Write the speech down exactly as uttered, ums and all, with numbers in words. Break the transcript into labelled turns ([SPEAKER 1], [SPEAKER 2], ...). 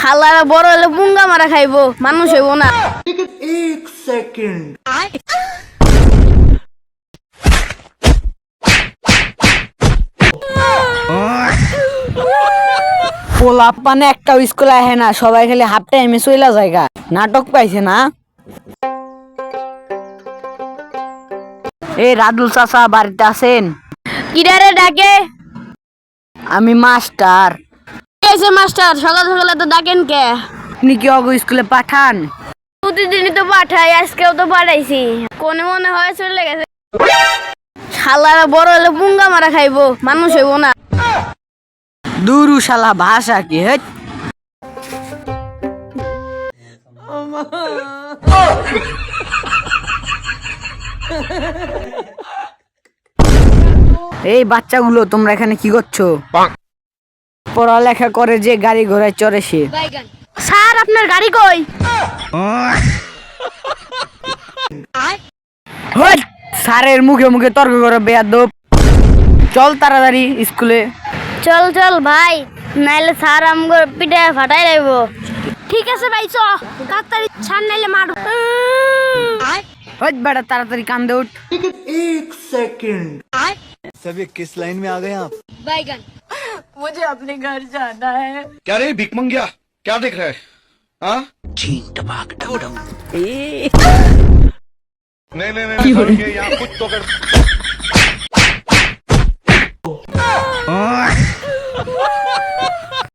[SPEAKER 1] শালারা বড় হলে পুঙ্গা মারা খাইবো, মানুষ হইব না।
[SPEAKER 2] एक सेकंड
[SPEAKER 3] পোলা পানে একটাও স্কুলে আহে না, সবাই খালি হাফ টাইমে চইলা জায়গা। নাটক পাইছে না? এই রাদুল চাচা বাড়িতে আছেন?
[SPEAKER 1] কিরারে ডাকে?
[SPEAKER 3] আমি মাস্টার।
[SPEAKER 1] এসে মাস্টার, সকাল সকালে তো ডাকেন কে?
[SPEAKER 3] আপনি কি অগো স্কুলে পাঠান?
[SPEAKER 1] প্রতিদিনই তো পাঠাই, আজকেও তো পাঠাইছি। কোনে মনে হয় চলে গেছে। শালারা বড় হলে পুঙ্গা মারা খাইবো, মানুষ হইব না।
[SPEAKER 3] দুরু শালা ভাষা কি হেট। এই বাচ্চাগুলো তোমরা এখানে কি করছো? পড়ালেখা করে যে গাড়ি ঘোড়ায় চড়ে সে।
[SPEAKER 1] স্যার আপনার গাড়ি কই?
[SPEAKER 3] হট! স্যারের মুখে মুখে তর্ক করে বেয়াদব। চল তাড়াতাড়ি স্কুলে।
[SPEAKER 1] চল চল ভাই, নাইলে স্যার আমগো পিঠে ফাটাই লাইব। ঠিক আছে ভাই, চ তাড়াতাড়ি, স্যার নাইলে মার।
[SPEAKER 3] হট বেটা, তাড়াতাড়ি কান্দে উঠ।
[SPEAKER 2] एक सेकंड
[SPEAKER 4] सभी किस लाइन में आ गए आप?
[SPEAKER 1] बैगन, मुझे अपने घर जाना है।
[SPEAKER 5] क्या रे भिक मंगिया, क्या देख रहा है? हाँ? नहीं नहीं नहीं, नहीं, यहाँ कुछ तो कर